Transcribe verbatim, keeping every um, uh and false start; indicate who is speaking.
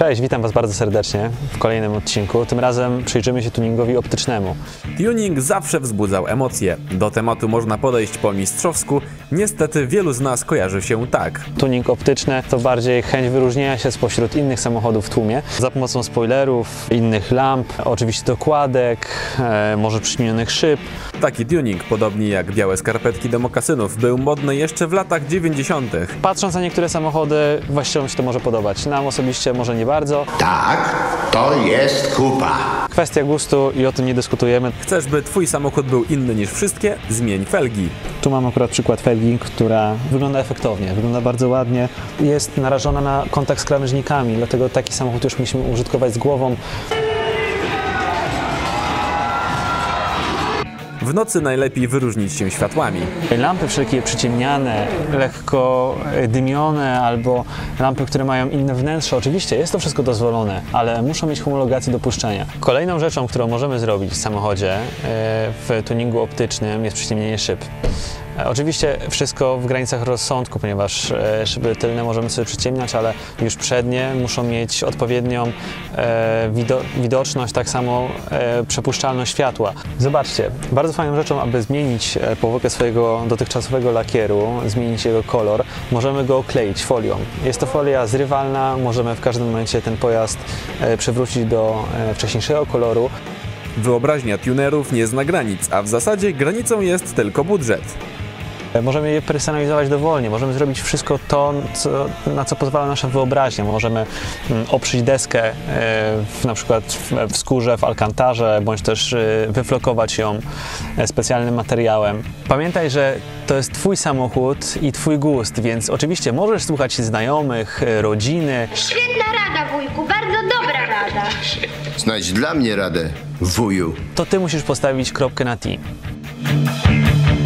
Speaker 1: Cześć, witam Was bardzo serdecznie w kolejnym odcinku. Tym razem przyjrzymy się tuningowi optycznemu.
Speaker 2: Tuning zawsze wzbudzał emocje. Do tematu można podejść po mistrzowsku. Niestety wielu z nas kojarzy się tak.
Speaker 1: Tuning optyczny to bardziej chęć wyróżnienia się spośród innych samochodów w tłumie za pomocą spoilerów, innych lamp, oczywiście dokładek, e, może przyciemnionych szyb.
Speaker 2: Taki tuning, podobnie jak białe skarpetki do mokasynów, był modny jeszcze w latach dziewięćdziesiątych.
Speaker 1: Patrząc na niektóre samochody, właściwie się to może podobać. Nam osobiście może nie bardzo.
Speaker 3: Tak, to jest kupa.
Speaker 1: Kwestia gustu i o tym nie dyskutujemy.
Speaker 2: Chcesz, by Twój samochód był inny niż wszystkie? Zmień felgi.
Speaker 1: Tu mam akurat przykład felgi, która wygląda efektownie, wygląda bardzo ładnie. Jest narażona na kontakt z krawężnikami, dlatego taki samochód już musimy użytkować z głową.
Speaker 2: W nocy najlepiej wyróżnić się światłami.
Speaker 1: Lampy wszelkie przyciemniane, lekko dymione albo lampy, które mają inne wnętrze, oczywiście jest to wszystko dozwolone, ale muszą mieć homologację dopuszczenia. Kolejną rzeczą, którą możemy zrobić w samochodzie w tuningu optycznym, jest przyciemnienie szyb. Oczywiście wszystko w granicach rozsądku, ponieważ szyby tylne możemy sobie przyciemniać, ale już przednie muszą mieć odpowiednią e, wido widoczność, tak samo e, przepuszczalność światła. Zobaczcie, bardzo fajną rzeczą, aby zmienić powłokę swojego dotychczasowego lakieru, zmienić jego kolor, możemy go okleić folią. Jest to folia zrywalna, możemy w każdym momencie ten pojazd e, przywrócić do e, wcześniejszego koloru.
Speaker 2: Wyobraźnia tunerów nie zna granic, a w zasadzie granicą jest tylko budżet.
Speaker 1: Możemy je personalizować dowolnie, możemy zrobić wszystko to, co, na co pozwala nasza wyobraźnia. Możemy oprzeć deskę w, na przykład w, w skórze, w alkantarze, bądź też wyflokować ją specjalnym materiałem. Pamiętaj, że to jest Twój samochód i Twój gust, więc oczywiście możesz słuchać znajomych, rodziny.
Speaker 4: Świetna rada, wujku, bardzo dobra rada.
Speaker 3: Znajdź dla mnie radę, wuju.
Speaker 1: To Ty musisz postawić kropkę na T.